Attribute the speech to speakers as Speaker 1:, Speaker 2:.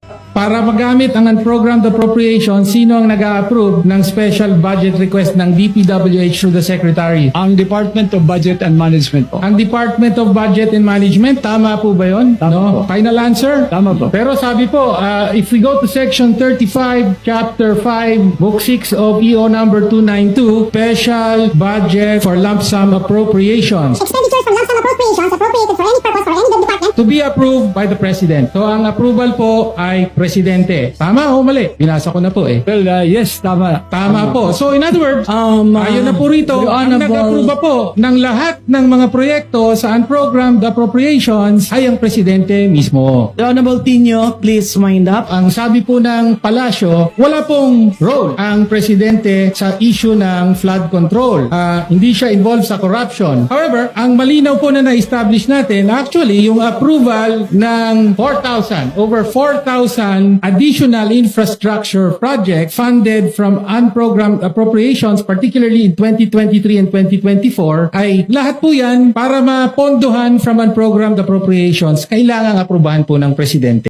Speaker 1: Para magamit ang unprogrammed appropriation, sino ang nag-a-approve ng special budget request ng DPWH through the Secretary?
Speaker 2: Ang Department of Budget and Management po.
Speaker 1: Ang Department of Budget and Management, tama po ba yun?
Speaker 2: Tama po.
Speaker 1: Final answer?
Speaker 2: Tama po.
Speaker 1: Pero sabi po, if we go to Section 35, Chapter 5, Book 6 of EO number 292, Special Budget for Lump Sum Appropriations,
Speaker 3: Expenditures from lump sum appropriations appropriated for any purpose for any department
Speaker 1: to be approved by the President. So ang approval po ay Presidente. Tama o mali? Binasa ko na po eh.
Speaker 2: Well, yes, tama.
Speaker 1: Tama po. So in other words, ayun na po rito,
Speaker 4: Your
Speaker 1: ang
Speaker 4: Honorable-
Speaker 1: nag-approve po ng lahat ng mga proyekto sa unprogrammed appropriations ay ang Presidente mismo.
Speaker 4: The Honorable Tino, please wind up.
Speaker 1: Ang sabi po ng palasyo, wala pong role ang Presidente sa issue ng flood control. Hindi siya involved sa corruption. However, ang malinaw po na na-establish natin, actually, yung approval ng over 4,000 additional infrastructure projects funded from unprogrammed appropriations, particularly in 2023 and 2024, ay lahat po yan para mapondohan from unprogrammed appropriations, kailangang aprubahan po ng Presidente.